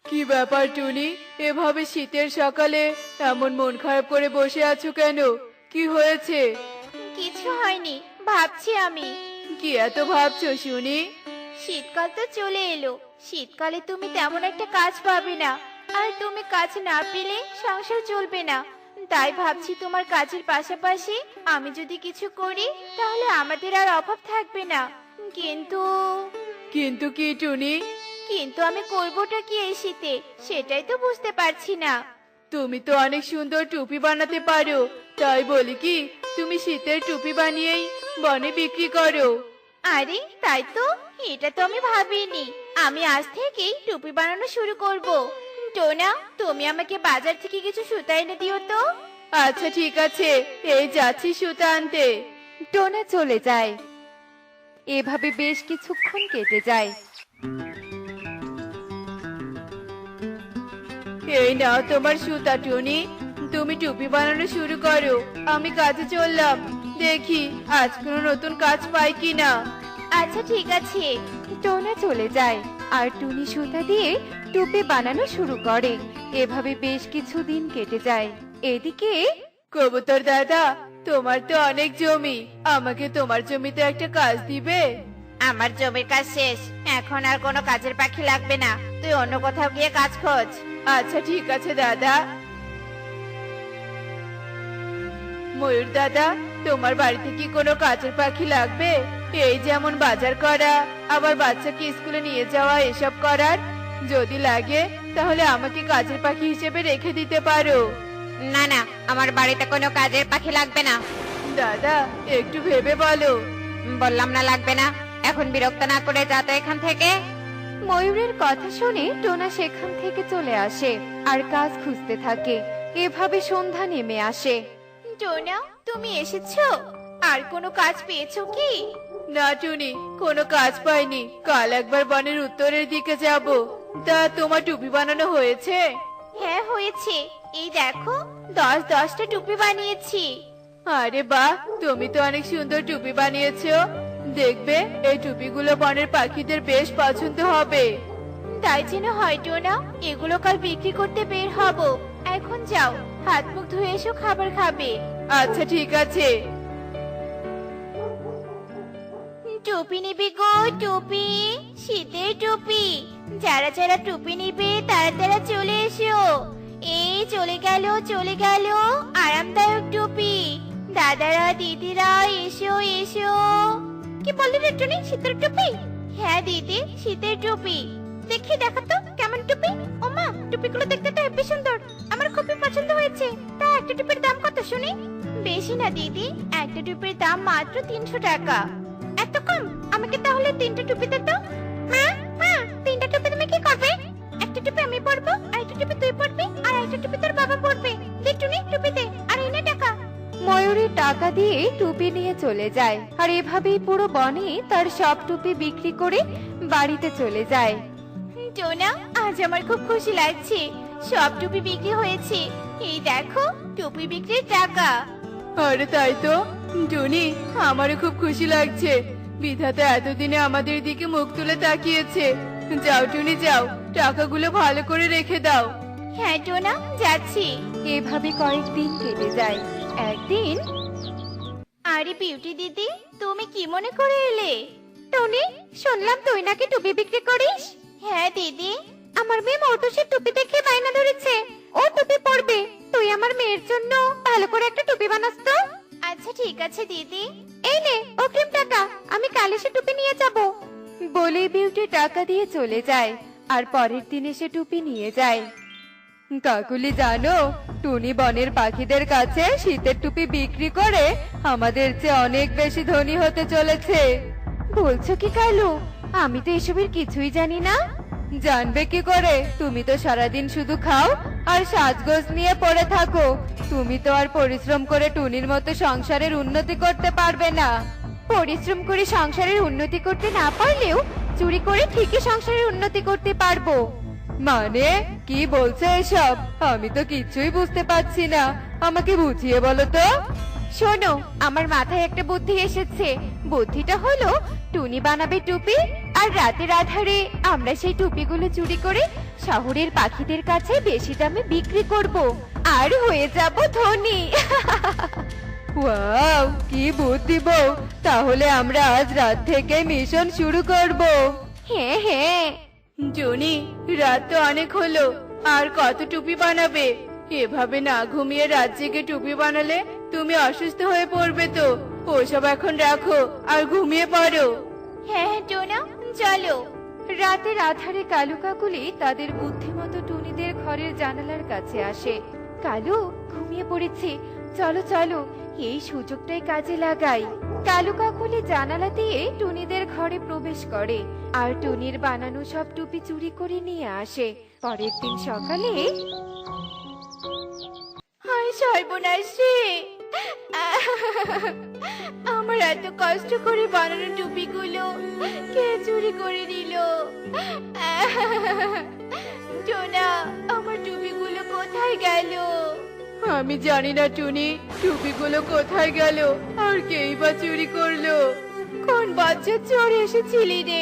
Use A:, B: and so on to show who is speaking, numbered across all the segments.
A: কি ব্যাপার টুনি, এভাবে শীতের সকালে এমন মন খারাপ করে বসে আছো কেন? কি হয়েছে?
B: কিছু হয়নি, ভাবছি আমি।
A: কি এত ভাবছো শুনি?
B: শীতকাল তো চলে এলো। শীতকালে তুমি তেমন একটা কাজ পাবে না, আর তুমি কাজ না পেলে সংসার চলবে না। তাই ভাবছি তোমার কাজের পাশাপাশি আমি যদি কিছু করি তাহলে আমাদের আর অভাব থাকবে না। কিন্তু
A: কিন্তু কি টুনি?
B: কিন্তু আমি করবোটা কি এই শীতে, সেটাই তো বুঝতে পারছি না।
A: তুমি তো অনেক সুন্দর টুপি বানাতে পারো, তাই বলি কি তুমি শীতের টুপি বানিয়েই বনে বিক্রি করো।
B: আরে তাই তো, এটা তো আমি ভাবিনি। আমি আজ থেকেই টুপি বানানো শুরু করব। টোনা, তুমি আমাকে বাজার থেকে কিছু সুতা এনে দিও তো।
A: আচ্ছা ঠিক আছে, এই যাচ্ছি সুতা আনতে।
C: টোনা চলে যায়। এভাবে বেশ কিছুক্ষণ কেটে যায়।
A: এই নাও তোমার সুতা টুনি, তুমি টুপি বানানো শুরু করো, আমি কাজে চললাম। দেখি আজ কোনো নতুন কাজ পাই কিনা।
B: আচ্ছা ঠিক আছে।
C: টোনা চলে যায় আর টুনি সুতা দিয়ে টুপি বানানো শুরু করে। এভাবে বেশ কিছুদিন কেটে যায়। এদিকে
A: কবুতর দাদা, তোমার তো অনেক জমি, আমাকে তোমার জমিতে একটা কাজ দিবে?
B: আমার জমির কাজ শেষ, এখন আর কোনো কাজের পাখি লাগবে না। তুই অন্য কোথাও গিয়ে কাজ খোঁজ।
A: আচ্ছা ঠিক আছে দাদা। ময়ূর দাদা, তোমার বাড়িতে কি কোনো কাজের পাখি লাগবে? এই যেমন বাজার করা, আবার বাচ্চাকে স্কুলে নিয়ে যাওয়া, এসব করার। যদি লাগে তাহলে আমাকে কাজের পাখি হিসেবে রেখে দিতে পারো।
B: না না, আমার বাড়িতে কোনো কাজের পাখি লাগবে না।
A: দাদা একটু ভেবে বলো।
B: বললাম না লাগবে না, এখন বিরক্ত না করে যা তো এখান থেকে।
C: ময়ূরের কথা শুনে টোনা সেখান থেকে চলে আসে আর কাজ খুঁজতে থাকে। এভাবে সন্ধ্যা নেমে আসে।
B: টোনা, তুমি এসেছো? আর কোনো কাজ পেয়েছো কি?
A: না টুনি, কোনো কাজ পাইনি। কাল একবার বনের উত্তরের দিকে যাব। তা তোমার টুপি বানানো হয়েছে?
B: হ্যাঁ হয়েছে, এই দেখো 10-10টা টুপি বানিয়েছি।
A: আরে বাহ, তুমি তো অনেক সুন্দর টুপি বানিয়েছো। দেখবে এই টুপিগুলো বনের পাখিদের বেশ পছন্দ হবে।
B: তাই যেন হয় টোনা, এগুলো কাল বিক্রি করতে বের হব। এখন যাও, হাত মুখ ধুয়ে এসো, খাবার খাবে।
A: আচ্ছা ঠিক আছে।
B: টুপি নিবি গো, টুপি, শীতের টুপি। যারা যারা টুপি নিবে তারা তারা চলে এসো। এই চলে গেল চলে গেল, আরামদায়ক টুপি। দাদারা দিদিরা এসো এসো। কি বললি রে টুনি, শীতের টুপি? হ্যাঁ দিদি, শীতের টুপি। দেখি দেখো তো কেমন টুপি। ওমা, টুপিগুলো দেখতে তো হেব্বি সুন্দর, আমার খুবই পছন্দ হয়েছে। তা একটা টুপির দাম কত শুনি? বেশি না দিদি, একটা টুপির দাম মাত্র 300 টাকা। এত কম? আমাকে তাহলে 3টা টুপি দে তো। মা, মা, 3টা টুপি তুমি কি করবে? একটা টুপি আমি পরবো, আর একটা টুপি তুই পরবি, আর একটা টুপি তোর বাবা পরবে। দে টুনি, টুপি দে, আর এই নে টাকা।
C: ময়ূরী টাকা দিয়ে টুপি নিয়ে চলে যায় আর এভাবেই পুরো বনে তার সব টুপি বিক্রি করে বাড়িতে চলে যায়।
B: টোনা, আজ আমার খুব খুশি লাগছে, সব টুপি বিক্রি হয়েছে। এই দেখো টুপি বিক্রির টাকা।
A: আরে তাই তো টুনি, আমারও খুব খুশি লাগছে। বিধাতা এতদিনে আমাদের দিকে মুখ তুলে তাকিয়েছে। যাও টুনি যাও, টাকাগুলো ভালো করে রেখে দাও।
B: হ্যাঁ টোনা, যাচ্ছি।
C: এভাবে কয়েকদিন কেটে যায়। একদিন
B: আরে বিউটি দিদি, তুমি কি মনে করে এলে?
C: টনি, শুনলাম তুই নাকি টুপি বিক্রি করিস।
B: হ্যাঁ দিদি।
C: আমার মেয়ে মৌটুসির টুপি দেখে বায়না ধরেছে, ও টুপি পরবে। তুই আমার মেয়ের জন্য ভালো করে একটা টুপি বানাস তো।
B: আচ্ছা ঠিক আছে দিদি।
C: এই নে অগ্রিম টাকা, আমি কাল এসে টুপি নিয়ে যাব। বলে বিউটি টাকা দিয়ে চলে যায় আর পরের দিন এসে টুপি নিয়ে যায়। কাকুলি জানো, টুনি বনের পাখিদের কাছে শীতের টুপি বিক্রি করে আমাদের চেয়ে অনেক বেশি ধনী হতে চলেছে। বলছো কি কালু? আমি তো এসবের কিছুই জানি না। জানবে কি করে, তুমি তো সারাদিন শুধু খাও আর সাজগোজ নিয়ে পড়ে থাকো। তুমি তো আর পরিশ্রম করে টুনির মতো সংসারের উন্নতি করতে পারবে না। পরিশ্রম করে সংসারের উন্নতি করতে না পারলেও চুরি করে ঠিকই সংসারের উন্নতি করতে পারবো। মানে কি বলছো এসব? আমি তো কিছুই বুঝতে পারছি না, আমাকে বুঝিয়ে বলো তো। শোনো, আমার মাথায় একটা বুদ্ধি এসেছে। বুদ্ধিটা হলো টুনি বানাবে টুপি, আর রাতের আধারে আমরা সেই টুপিগুলো চুরি করে শহরের পাখিদের কাছে বেশি দামে বিক্রি করব আর হয়ে যাব ধনী। ওয়াও, কি বুদ্ধি বউ! তাহলে আমরা আজ রাত থেকে মিশন শুরু করব। হ্যাঁ হ্যাঁ।
A: টুনি, রাত তো অনেক হলো, আর কত টুপি বানাবে? এভাবে না ঘুমিয়ে রাত জেগে টুপি বানালে তুমি অসুস্থ হয়ে পড়বে তো। ওসব এখন রাখো আর ঘুমিয়ে পড়ো।
B: হ্যাঁ হ্যাঁ টোনা, চলো।
C: রাতের আধারে কালু কাকুলি তাদের বুদ্ধিমতো টুনিদের ঘরের জানালার কাছে আসে। কালু, ঘুমিয়ে পড়েছি, চলো চলো এই সুযোগটাই কাজে লাগাই। কালু কাকুলি জানালা দিয়ে টুনিদের ঘরে প্রবেশ করে আর টুনির বানানো সব টুপি চুরি করে নিয়ে আসে। পরের দিন সকালে
B: হায় সর্বনাশ রে! আমার এত কষ্ট করে বানানো টুপিগুলো কে চুরি করে নিল? টোনা, আমার টুপিগুলো কোথায় গেল?
A: আমি জানি না টুনি, টুপিগুলো কোথায় গেল আর কেই বা চুরি করলো।
B: কোন বাচ্চা চোর এসেছিলি রে?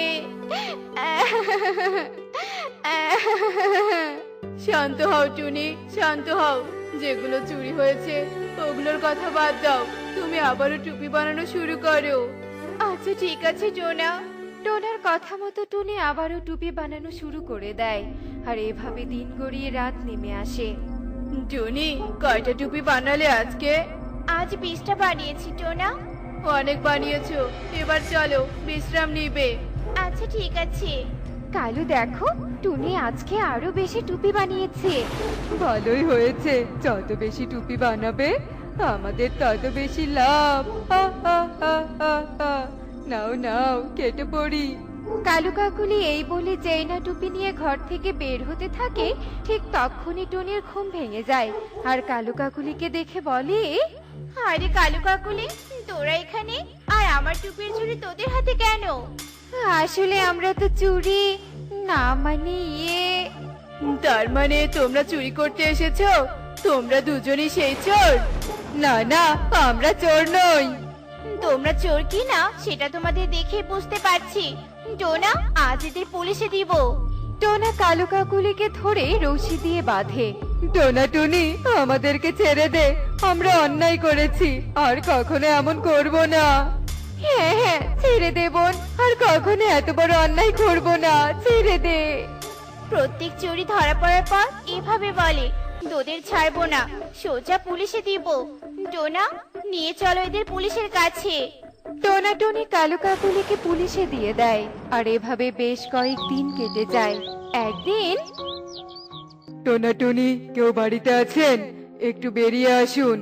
A: শান্ত হও টুনি, শান্ত হও। যেগুলো চুরি হয়েছে ওগুলোর কথা বাদ দাও, তুমি আবারও টুপি বানানো শুরু করো।
B: আচ্ছা ঠিক আছে টোনা।
C: টোনার কথা মতো টুনি আবারও টুপি বানানো শুরু করে দেয় আর এভাবে দিন গড়িয়ে রাত নেমে আসে।
A: টুনি, কয়টা টুপি বানালে আজকে?
B: আজ 20টা বানিয়েছি টোনা।
A: অনেক বানিয়েছো, এবার চলো বিশ্রাম নিবে।
B: আচ্ছা ঠিক আছে।
C: কালু দেখো, টুনি আজকে আরো বেশি টুপি বানিয়েছে। ভালোই হয়েছে, যত বেশি টুপি বানাবে আমাদের তত বেশি লাভ। হা, হা, হা, হা, হা। নাও নাও, কেটে পড়ি। কালু কাকুলি এই বলে যেই না টুপি নিয়ে ঘর থেকে বের হতে থাকে, ঠিক তখনই টুনির ঘুম ভেঙে যায় আর কালু কাকুলিকে দেখে বলে,
B: আরে কালু কাকুলি, তোরা এখানে? আর আমার টুপির চুড়ি তোদের হাতে কেন?
C: আসলে আমরা তো চুরি না, মানে
A: তার মানে তোমরা চুরি করতে এসেছো? তোমরা দুজনই সেই চোর?
C: না না, আমরা চোর নই।
B: তোমরা চোর কি না সেটা তোমাদের দেখে বুঝতে পারছি। টোনা, আজ এদের পুলিশে দিব।
C: টোনা কালু কাকুলিকে ধরে রশি দিয়ে বাঁধে। টোনা টুনি, আমাদেরকে ছেড়ে দে, আমরা অন্যায় করেছি, আর কখনো এমন করব না। হ্যাঁ হ্যাঁ, ছেড়ে দে বোন, আর কখনো এত বড় অন্যায় করব না, ছেড়ে দে।
B: প্রত্যেক চুরি ধরা পড়ার পর এভাবে বলে, তোদের ছাড়বো না, সোজা পুলিশে দিব। টোনা, নিয়ে চলো এদের পুলিশের কাছে।
C: টোনা টুনি কালু কাকুলিকে পুলিশে দিয়ে দেয় আর এভাবে বেশ কয়েকদিন কেটে যায়। একদিন, টোনা টুনি, কেউ বাড়িতে আছেন? একটু বেরিয়ে আসুন।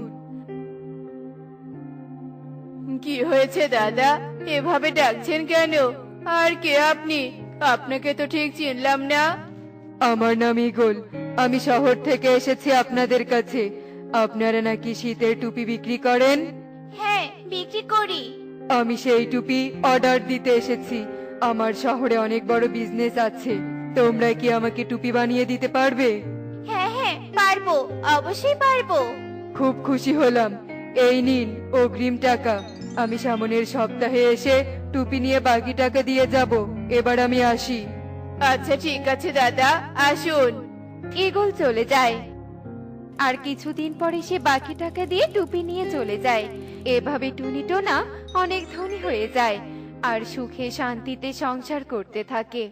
A: কি হয়েছে দাদা, এভাবে ডাকছেন কেন? আর কে আপনি? আপনাকে তো ঠিক চিনলাম না।
C: আমার নাম ইগল, আমি শহর থেকে এসেছি আপনাদের কাছে। আপনারা নাকি শীতের টুপি বিক্রি করেন?
B: হ্যাঁ, বিক্রি করি।
C: আমি সেই টুপি অর্ডার দিতে এসেছি। আমার শহরে অনেক বড় বিজনেস আছে, তোমরা কি আমাকে টুপি বানিয়ে দিতে পারবে?
B: হ্যাঁ হ্যাঁ, পারবো, অবশ্যই পারবো।
C: খুব খুশি হলাম, এই নিন অগ্রিম টাকা। আমি সামনের সপ্তাহে এসে টুপি নিয়ে বাকি টাকা দিয়ে যাব। এবার আমি আসি।
A: আচ্ছা ঠিক আছে দাদা, আসুন।
C: ইগল চলে যায় আর কিছুদিন পরে সে বাকি টাকা দিয়ে টুপি নিয়ে চলে যায়। এভাবে টুনি টোনা অনেক ধনী হয়ে যায় আর সুখে শান্তিতে সংসার করতে থাকে।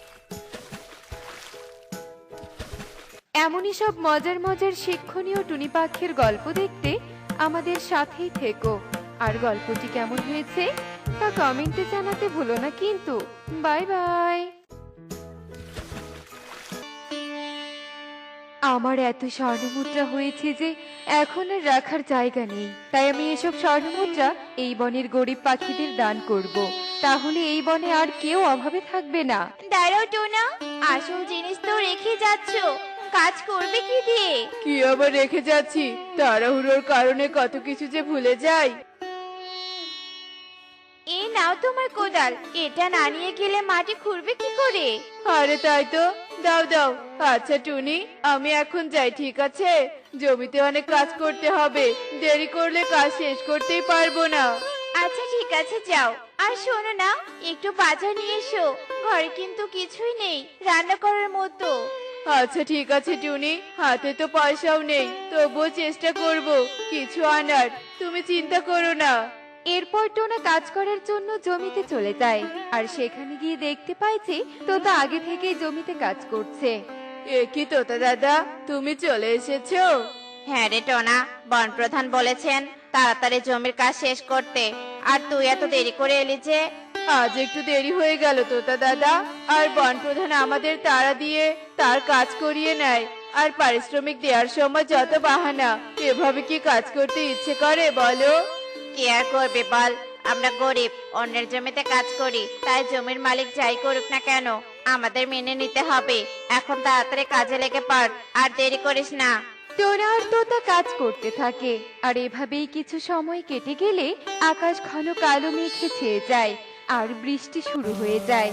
C: এমনই সব মজার মজার শিক্ষণীয় টুনি পাখির গল্প দেখতে আমাদের সাথেই থেকো। আর গল্পটি কেমন হয়েছে তা কমেন্টে জানাতে ভুলো না কিন্তু। Bye bye. আমার এত স্বর্ণমুদ্রা হয়েছে যে এখন আর রাখার জায়গা নেই, তাই আমি এসব স্বর্ণমুদ্রা এই বনের গরিব পাখিদের দান করব। তাহলে এই বনে আর কেউ অভাবে থাকবে না।
B: দাঁড়াও টোনা, আসল জিনিস তো রেখে যাচ্ছো, কাজ করবে কি দিয়ে?
A: কি আবার রেখে যাচ্ছি, তাড়াহুড়োর কারণে কত কিছু যে ভুলে যাই।
B: এই নাও তোমার কোদাল, এটা না নিয়ে গেলে মাটি খুঁড়বে কি করে?
A: আরে তাই তো, দাও দাও। আচ্ছা টুনি, আমি এখন যাই, ঠিক আছে? জমিতে অনেক কাজ করতে হবে, দেরি করলে কাজ শেষ করতেই পারবো না।
B: আচ্ছা ঠিক আছে, যাও। আর শোনো না, একটু বাজার নিয়ে এসো। ঘরে কিন্তু কিছুই নেই রান্না করার মতো।
A: আচ্ছা ঠিক আছে টুনি, হাতে তো পয়সাও নেই, তবুও চেষ্টা করব কিছু আনার। তুমি চিন্তা করো না।
C: এরপর টোনা কাজ করার জন্য জমিতে চলে যায় আর সেখানে গিয়ে দেখতে পায় যে তোতা আগে থেকেই জমিতে কাজ করছে।
A: এ কি তোতা দাদা, তুমি চলে এসেছো?
B: হ্যাঁ রে টোনা, বন প্রধান বলেছেন তাড়াতাড়ি জমির কাজ শেষ করতে। আর তুই এত দেরি করে এলি যে?
A: আজ একটু দেরি হয়ে গেল তোতা দাদা। আর বন প্রধান আমাদের তাড়া দিয়ে তার কাজ করিয়ে নেয়, আর পারিশ্রমিক দেওয়ার সময় যত বাহানা। এভাবে কি কাজ করতে ইচ্ছে করে বলো?
B: কি আর করবে বল, আমরা গরিব, অন্যের জমিতে কাজ করি, তাই জমির মালিক যাই করুক না কেন আমাদের মেনে নিতে হবে। এখন তাড়াতাড়ি কাজে লেগে পড়, আর দেরি করিস না।
C: টোনা আর তোতা কাজ করতে থাকে আর এভাবেই কিছু সময় কেটে গেলে আকাশ ঘন কালো মেঘে ছেয়ে যায় আর বৃষ্টি শুরু হয়ে যায়।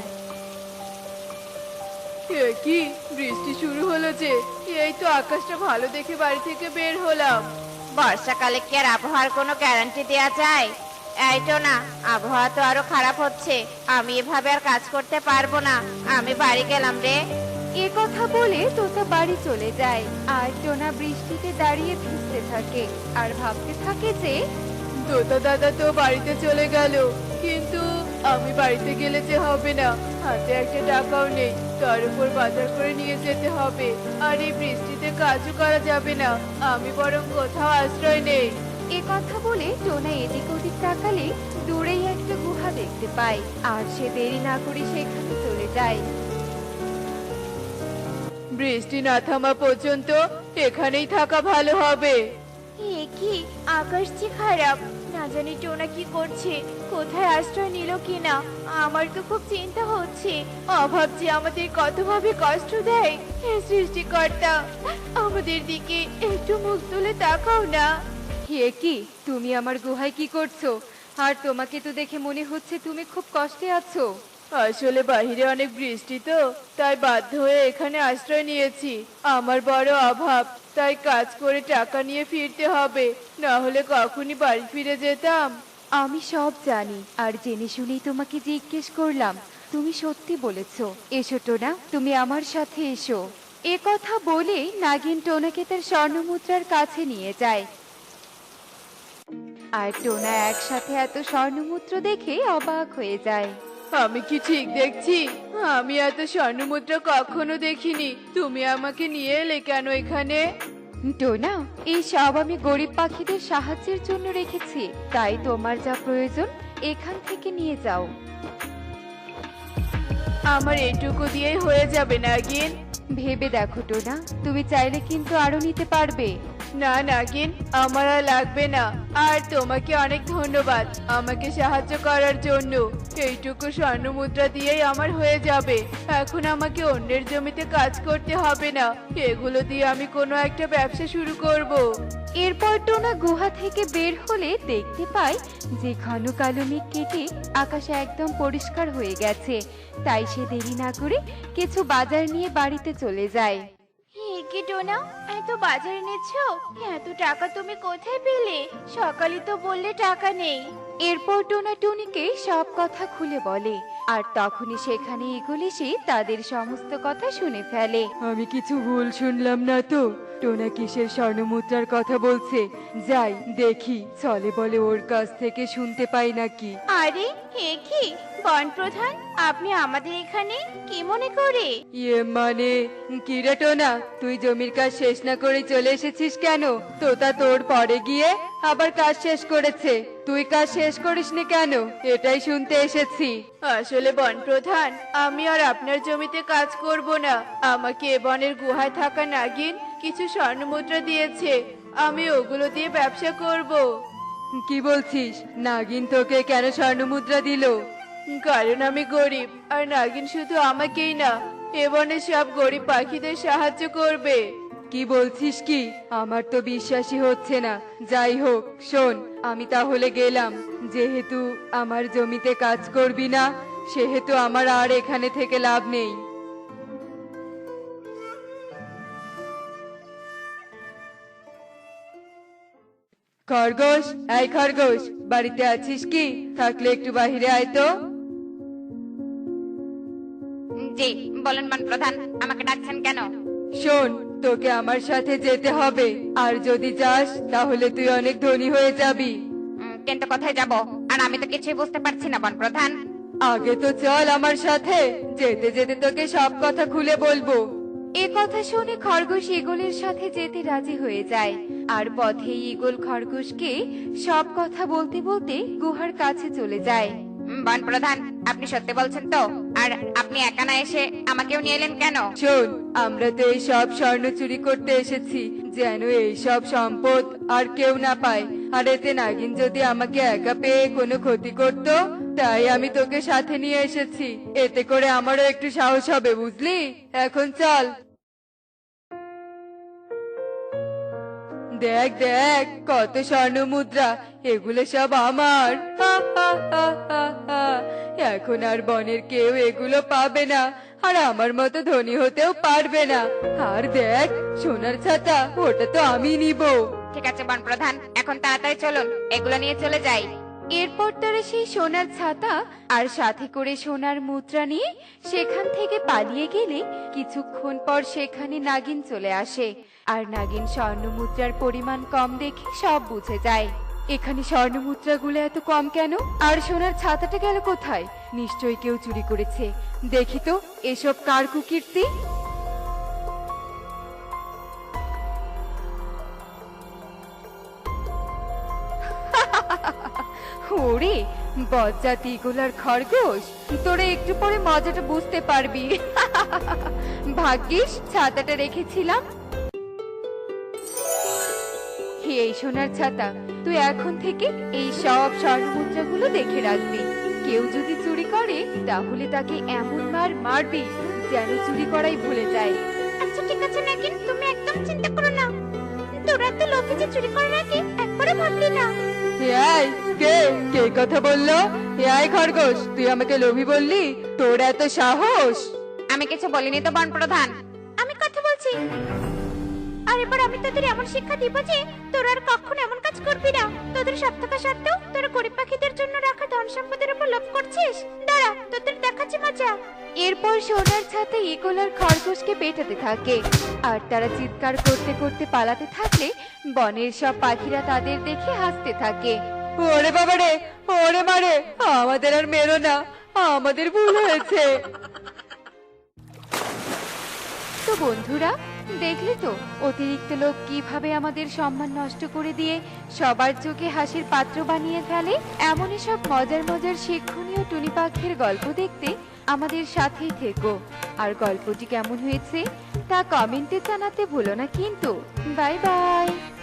A: এ কি, বৃষ্টি শুরু হলো যে? এই তো আকাশটা ভালো দেখে বাড়ি থেকে বের হলাম।
B: বর্ষাকালে কি আর আবহাওয়ার কোনো গ্যারান্টি দেওয়া যায়? এই টোনা, আবহাওয়া তো আরো খারাপ হচ্ছে। আমি এভাবে আর কাজ করতে পারবো না, আমি বাড়ি গেলাম রে।
C: এ কথা বলে তোতা বাড়ি চলে যায় আর টোনা বৃষ্টিতে দাঁড়িয়ে ভিজতে থাকে আর ভাবতে থাকে যে
A: তোতা দাদা তো বাড়িতে চলে গেল, কিন্তু আমি বাড়িতে গেলে যে হবে না, হাতে একটা টাকাও নেই, তার উপর বাজার করে নিয়ে যেতে হবে। আর এই বৃষ্টিতে কাজও করা যাবে না, আমি বরং কোথাও আশ্রয় নেই।
C: এ কথা বলে টোনা এদিক ওদিক তাকালে দূরেই একটা গুহা দেখতে পায় আর সে দেরি না করে সেখানে চলে যায়।
A: বৃষ্টি না থামা পর্যন্ত এখানেই থাকা ভালো হবে।
B: এ কি, আকাশ যে খারাপ, না জানি টোনা কি করছে, কোথায় আশ্রয় নিল কিনা। আমার তো খুব চিন্তা হচ্ছে।
A: অভাব যে আমাদের কতভাবে কষ্ট দেয়। হে সৃষ্টিকর্তা, আমাদের দিকে একটু মুখ তুলে তাকাও না।
C: হে কি, তুমি আমার গুহায় কি করছো? আর তোমাকে তো দেখে মনে হচ্ছে তুমি খুব কষ্টে আছো।
A: আসলে বাইরে অনেক বৃষ্টি তো, তাই বাধ্য হয়ে এখানে আশ্রয় নিয়েছি। আমার বড় অভাব, তাই কাজ করে টাকা নিয়ে ফিরতে হবে, না হলে কখনই বাড়ি ফিরে যেতাম।
C: আমি সব জানি আর জেনে শুনেই তোমাকে জিজ্ঞেস করলাম। তুমি সত্যি বলেছো। এসো টোনা, তুমি আমার সাথে এসো। এ কথা বলে নাগিন টোনাকে তার স্বর্ণমুদ্রার কাছে নিয়ে যায় আর টোনা একসাথে এত স্বর্ণমুদ্রা দেখে অবাক হয়ে যায়।
A: আমি কি ঠিক দেখছি? আমি এত স্বর্ণমুদ্রা কখনো দেখিনি। তুমি আমাকে নিয়ে এলে কেন এখানে?
C: টোনা, এই সব আমি গরিব পাখিদের সাহায্যের জন্য রেখেছি, তাই তোমার যা প্রয়োজন এখান থেকে নিয়ে যাও।
A: আমার এটুকু দিয়েই হয়ে যাবে নাগিন?
C: ভেবে দেখো টোনা, তুমি চাইলে কিন্তু আরো নিতে পারবে।
A: না নাগিন, আমার আর লাগবে না। আর তোমাকে অনেক ধন্যবাদ আমাকে সাহায্য করার জন্য। এইটুকু স্বর্ণ মুদ্রা দিয়েই আমার হয়ে যাবে। এখন আমাকে অন্যের জমিতে কাজ করতে হবে না, এগুলো দিয়ে আমি কোনো একটা ব্যবসা শুরু করব।
C: এরপর টোনা গুহা থেকে বের হলে দেখতে পায় যে ঘন কালো মেঘ কেটে আকাশ একদম পরিষ্কার হয়ে গেছে। তাই সে দেরি না করে কিছু বাজার নিয়ে বাড়িতে চলে যায়।
B: হে কি টোনা, এত বাজার এনেছো? এত টাকা তুমি কোথায় পেলে? সকালে তো বললে টাকা নেই।
C: এরপর টোনা টুনিকে সব কথা খুলে বলে আর তখনই সেখানে ইগল এসে তাদের সমস্ত কথা শুনে ফেলে। আমি কিছু ভুল শুনলাম না তো? টোনা কিসের স্বর্ণমুদ্রার কথা বলছে? যাই দেখি, চলে বলে ওর কাছ থেকে শুনতে পাই নাকি।
B: আরে হে কি, বন প্রধান, আপনি আমাদের এখানে কি মনে করে?
C: ইয়ে মানে, কি রে টোনা, তুই জমির কাজ শেষ না করে চলে এসেছিস কেন? তোতা তোর পরে গিয়ে আবার কাজ শেষ করেছে, তুই কাজ শেষ করিসনি কেন? এটাই শুনতে এসেছি।
A: আসলে বন প্রধান, আমি আর আপনার জমিতে কাজ করব না। আমাকে এ বনের গুহায় থাকা নাগিন কিছু স্বর্ণ মুদ্রা দিয়েছে, আমি ওগুলো দিয়ে ব্যবসা করব।
C: কি বলছিস? নাগিন তোকে কেন স্বর্ণমুদ্রা দিল?
A: কারণ আমি গরিব, আর নাগিন শুধু আমাকেই না, এ বনের সব গরিব পাখিদের সাহায্য করবে।
C: কি বলছিস কি? আমার তো বিশ্বাসই হচ্ছে না। যাই হোক, শোন, আমি তাহলে গেলাম। যেহেতু আমার জমিতে কাজ করবি না, সেহেতু আমার আর এখানে থেকে লাভ নেই। খরগোশ, এই খরগোশ, বাড়িতে আছিস কি? থাকলে একটু বাহিরে আয় তো।
B: জি বলুন বন প্রধান, আমাকে ডাকছেন কেন?
C: শোন, তোকে আমার সাথে যেতে হবে, আর যদি যাস তাহলে তুই অনেক ধনী হয়ে যাবি।
B: কিন্তু কোথায় যাব? আর আমি তো কিছুই বুঝতে পারছি না বন প্রধান।
C: আগে তো চল আমার সাথে, যেতে যেতে তোকে সব কথা খুলে বলবো। এ কথা শুনে খরগোশ ঈগলের সাথে যেতে রাজি হয়ে যায়, আর পথে ঈগল খরগোশকে সব কথা বলতে বলতে গুহার কাছে চলে যায়।
B: বন প্রধান, আপনি সত্যি বলছেন তো? আর আপনি একা না এসে আমাকেও নিয়ে এলেন কেন?
C: শোন, আমরা তো এই সব স্বর্ণ চুরি করতে এসেছি, যেন এই সব সম্পদ আর কেউ না পায়। আর এতে নাগিন যদি আমাকে একা পেয়ে কোনো ক্ষতি করত, তাই আমি তোকে সাথে নিয়ে এসেছি। এতে করে আমারও একটু সাহস হবে, বুঝলি? এখন চল। দেখ দেখ, কত স্বর্ণ মুদ্রা, এগুলো সব আমার। হা, হা, হা, হা, হা। এখন আর বনের কেউ এগুলো পাবে না, আর আমার মতো ধনী হতেও পারবে না। আর দেখ, সোনার ছাতা, ওটা তো আমি নিব।
B: ঠিক আছে বন প্রধান, এখন তাড়াতাড়ি চলুন, এগুলো নিয়ে চলে যাই।
C: এরপর তারা সেই সোনার ছাতা আর সাথে করে সোনার মুদ্রা নিয়ে সেখান থেকে পালিয়ে গেলে কিছুক্ষণ পর সেখানে নাগিন চলে আসে। আর নাগিন স্বর্ণ মুদ্রার পরিমাণ কম দেখে সব বুঝে যায়। এখানে স্বর্ণ মুদ্রাগুলো এত কম কেন? আর সোনার ছাতাটা গেল কোথায়? নিশ্চয়ই কেউ চুরি করেছে। দেখি তো এসব কার কুকীর্তি। ওরে বজ্জাত ঈগলার খরগোশ, তোরা একটু পরে মজাটা বুঝতে পারবি। ভাগ্যিস ছাতাটা রেখেছিলাম। এই সোনার ছাতা, তুই এখন থেকে এই সব স্বর্ণ মুদ্রাগুলো দেখে রাখবি। কেউ যদি চুরি করে তাহলে তাকে এমন মার মারবি যেন চুরি করাই ভুলে যায়।
B: আচ্ছা ঠিক আছে নাগিন, তুমি একদম চিন্তা করো না। তোরা তো লোভে যে চুরি করার আগে একবারও ভাবলি না।
C: এই, কে কে কথা বললো? এই খরগোশ, তুই আমাকে লোভী বললি? তোর এত সাহস!
B: আমি কিছু বলিনি তো বন প্রধান। আমি কথা বলছি। আর এবার আমি তোদের এমন শিক্ষা দিব যে তোরা আর কখনো এমন কাজ করবি না। তোদের সব থাকা সত্ত্বেও তোরা গরিব পাখিদের জন্য রাখা ধন সম্পদের উপর লোভ করছিস। দাঁড়া, তোদের দেখাচ্ছি মজা।
C: এরপর সোনার ছাতা ঈগল আর খরগোশকে পেটাতে থাকে, আর তারা চিৎকার করতে করতে পালাতে থাকলে বনের সব পাখিরা তাদের দেখে হাসতে থাকে। ওরে বাবা রে, ওরে মারে, আমাদের আর মেরো না, আমাদের ভুল হয়েছে। তো বন্ধুরা, দেখলে তো অতিরিক্ত লোক কিভাবে আমাদের সম্মান নষ্ট করে দিয়ে সবার চোখে হাসির পাত্র বানিয়ে ফেলে। এমনই সব মজার মজার শিক্ষণীয় টুনি পাখির গল্প দেখতে আমাদের সাথেই থেকো। আর গল্পটি কেমন হয়েছে তা কমেন্টে জানাতে ভুলো না কিন্তু। Bye by.